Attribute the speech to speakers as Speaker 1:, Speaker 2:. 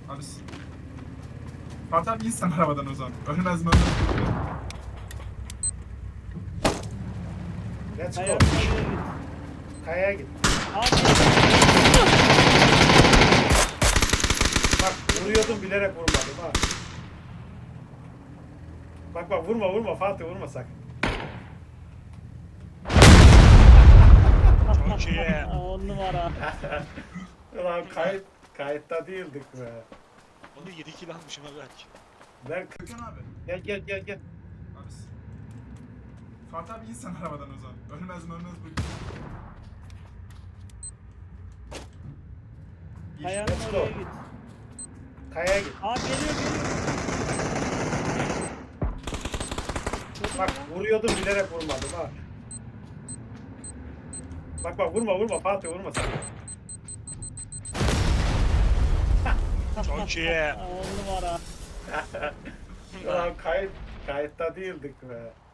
Speaker 1: Abi Fatih abi insan arabadan o zaman. Ölmez mi ölmez mi?
Speaker 2: Let's go.
Speaker 3: Kayanın oraya git.
Speaker 2: Kayaya git.
Speaker 3: Abi
Speaker 2: Bak vuruyordum bilerek vurmadım ha. Bak bak vurma Fatih vurma sakın.
Speaker 4: Çok iyi.
Speaker 3: 10 numara.
Speaker 2: Ulan kayıtta değildik be.
Speaker 4: Onu 7 kill almışım ha belki.
Speaker 2: Ben
Speaker 1: Gökhan abi.
Speaker 2: gel.
Speaker 1: Abi Fatih abi insan arabadan o zaman. Ölmez mi ölmez mi?
Speaker 3: Kayanın
Speaker 2: Let's go.
Speaker 3: oraya git.
Speaker 2: Kayaya git.
Speaker 3: Abi geliyor.
Speaker 2: Bak vuruyordum bilerek vurmadım ha. Bak bak vurma Fatih vurma sakın.
Speaker 4: Çok iyi.
Speaker 3: 10 numara.
Speaker 2: Ulan kayıtta değildik be.